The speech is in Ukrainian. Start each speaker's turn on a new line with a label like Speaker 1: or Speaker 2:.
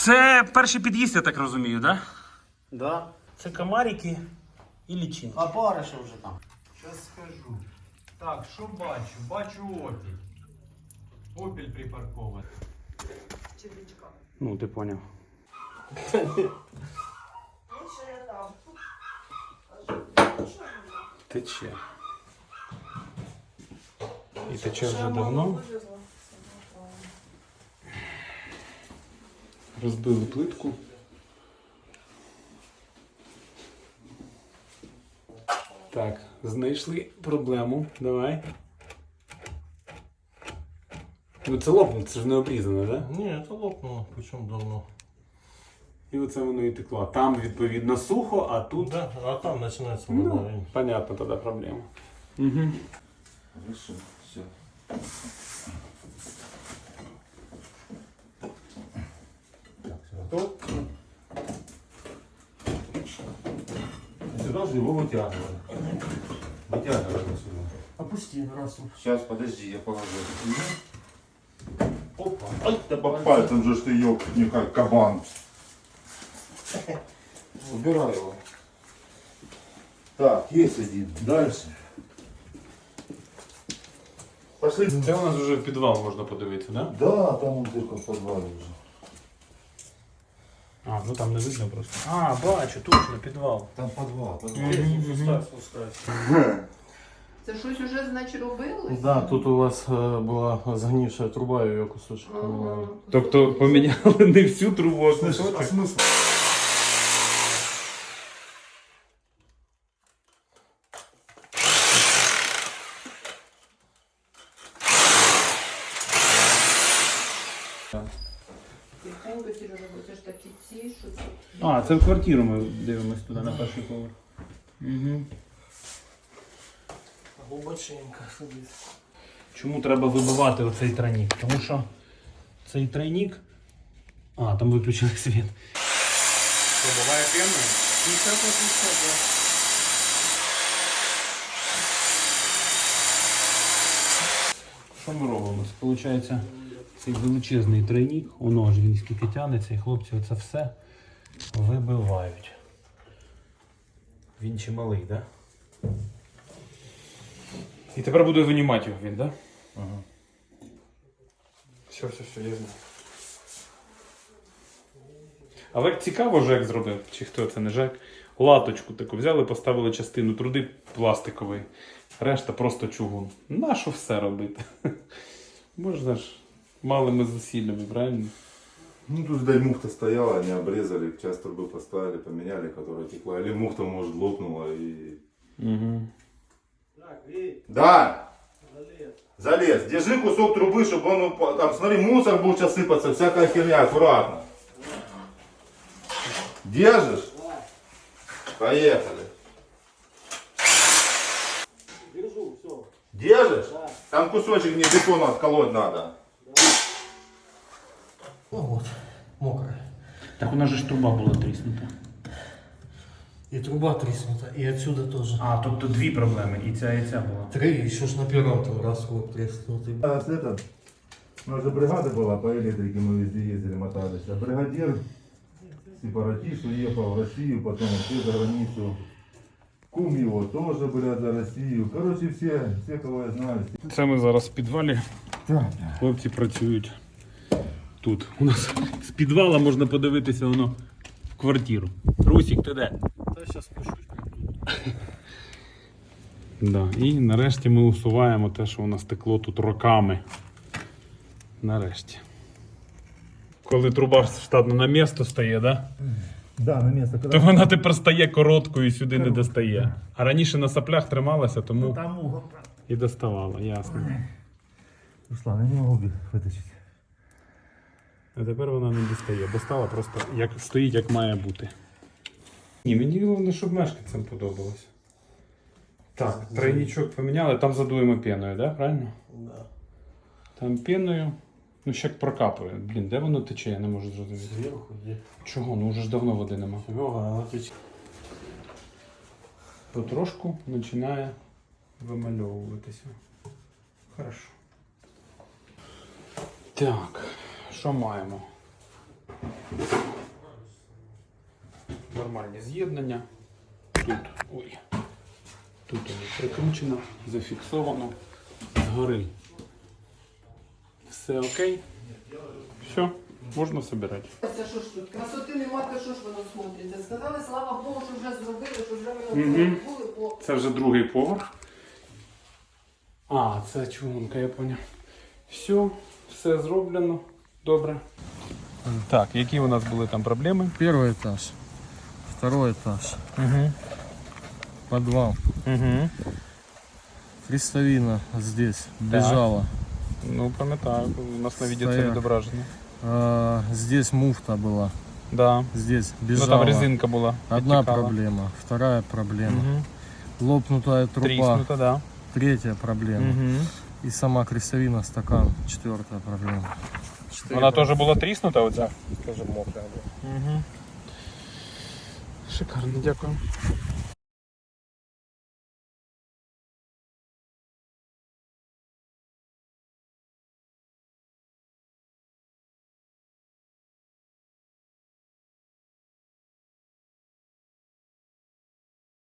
Speaker 1: Це перший під'їзд, я так розумію, так?
Speaker 2: Да.
Speaker 1: Це комарики і лічинки.
Speaker 2: А бариша вже там.
Speaker 3: Сейчас скажу. Так, що бачу? Бачу опіль. Опіль припаркований.
Speaker 4: Червячка.
Speaker 1: Ну, ти поняв.
Speaker 4: Лучше я там.
Speaker 1: Тече. І тече вже давно. Розбили плитку. Так, знайшли проблему. Давай. Ну це лопнуло, це ж не обрізано, так? Да?
Speaker 2: Ні, это лопнуло, причому давно.
Speaker 1: І оце воно і текло. Там, відповідно, сухо, а тут...
Speaker 2: Да, а там починається
Speaker 1: Ну,
Speaker 2: вода.
Speaker 1: понятно тогда проблема. Угу.
Speaker 5: Хорошо, все.
Speaker 2: Так, все готово. Сюда же его вытягивали. Вытягивали сюда. Опусти раз.
Speaker 5: Сейчас, подожди, я положу.
Speaker 2: Опа.
Speaker 5: Ай, да по пальцам же ж ты ёб, не как кабан. Убирай его. Так, есть один. Дальше. Пошли.
Speaker 1: Це у нас вже в підвал можна подивитися, да?
Speaker 5: Да, там он только в подвале уже.
Speaker 1: А, ну там не видно просто. А, бачу, точно, підвал.
Speaker 5: Там подвал.
Speaker 4: Це щось уже, значить, робили?
Speaker 2: Да, тут у вас була згнившая труба, ее кусочек поменяли.
Speaker 1: Тобто поміняли не всю трубу, а кусочок?
Speaker 5: смысл?
Speaker 4: Тихенько, Сережа, бо це ж такі ці, що це...
Speaker 1: А, це в квартиру ми дивимось туди, на перший поверх. Угу.
Speaker 2: Глубоченько сидить.
Speaker 1: Чому треба вибивати оцей тройник? Тому що цей тройник... А, там виключили світ. Що, буває п'яною? Що ми робимо? Це, виходить, цей величезний тройник, воно ж він скільки тягнеться, і хлопці оце все вибивають. Він чималий, так? Да? І тепер буду винімати його він, так? Да?
Speaker 5: Ага.
Speaker 1: Все, я знаю. Але як цікаво, Жек зробив, чи хто це не Жек, латочку таку взяли, поставили частину труди пластиковий, решта просто чугун. Нащо все робити? Можна ж малими зусиллями, правильно?
Speaker 5: Ну тут, дай муфта стояла, они обрезали, часть трубы поставили, поменяли, которая текла. Или муфта, может, лопнула и...
Speaker 1: Угу.
Speaker 5: Да! Залез. Держи кусок трубы, чтобы он упал. Там, смотри, мусор будет сейчас сыпаться, всякая херня, аккуратно. Держишь? Поехали.
Speaker 2: Держу, все.
Speaker 5: Держишь? Да. Там кусочек не бетона отколоть надо.
Speaker 2: Ну вот, мокрая.
Speaker 1: Так у нас же ж труба була тріснута.
Speaker 2: И труба треснута, и отсюда тоже.
Speaker 1: А, тобто дві проблеми, і ця була.
Speaker 2: 3, еще ж на первом там раз вот треснутый.
Speaker 5: А с это, у нас же бригада была по электрике, мы везде ездили, мотались. А бригадир, сепаратист, уехал в Россию, потом вообще за границу. Кум его тоже, блядь, за Россию. Короче, все, кого я знаю.
Speaker 1: Це ми зараз в підвалі.
Speaker 5: Так.
Speaker 1: Хлопці працюють тут. У нас з підвала можна подивитися воно в квартиру. Русік, ти де?
Speaker 2: Да, сейчас спущусь.
Speaker 1: Да. І нарешті ми усуваємо те, що у нас текло тут роками. Нарешті. Коли труба штатно на місто стає, да?
Speaker 5: Да, на место.
Speaker 1: То вона тепер стає короткою і сюди не достає. А раніше на соплях трималася, тому
Speaker 5: Там угол.
Speaker 1: і доставала, ясно.
Speaker 5: Руслан, я не могу вытащить.
Speaker 1: А тепер вона не достає, бо стала просто як стоїть, як має бути. Ні, мені головне, щоб мешканцям подобалось. Так, тройничок поміняли, там задуємо пеною, да? Правильно?
Speaker 2: Да.
Speaker 1: Там пеною, ну ще як прокапує. Блін, де воно тече, я не можу зрозуміти.
Speaker 2: Сверху где?
Speaker 1: Чого? Ну вже ж давно води нема.
Speaker 2: Серега, она течет.
Speaker 1: Потрошку починає вимальовуватися. Хорошо. Так, що маємо? Нормальні з'єднання. Тут, ой, тут воно прикручено, зафіксовано. Згори. Все окей. Все, можна збирати.
Speaker 4: Це що ж тут? Красоти нема, то що ж воно смотриться? Сказали, слава Богу, що вже зробили, що вже воно зробили, бо
Speaker 1: Це вже другий поверх. А, це чугунка, я поняв. Все зроблено. Добре. Так, які у нас були там проблеми?
Speaker 2: Первый этаж, второй этаж,
Speaker 1: Угу.
Speaker 2: подвал.
Speaker 1: Угу.
Speaker 2: Крестовина здесь бежала.
Speaker 1: Ну, пам'ятаю, у нас на відео це
Speaker 2: Стояк.
Speaker 1: відображено.
Speaker 2: Здесь муфта была.
Speaker 1: Да.
Speaker 2: Здесь
Speaker 1: Ну
Speaker 2: бежала.
Speaker 1: там резинка була.
Speaker 2: Одна
Speaker 1: підтікала.
Speaker 2: проблема, вторая проблема.
Speaker 1: Угу.
Speaker 2: Лопнутая труба,
Speaker 1: Тріснута, да.
Speaker 2: третья проблема.
Speaker 1: Угу.
Speaker 2: И сама крестовина, стакан, четвертая проблема.
Speaker 1: Вона теж була тріснута оця?
Speaker 2: тоже мокрая была.
Speaker 1: Угу. Шикарно, дякую.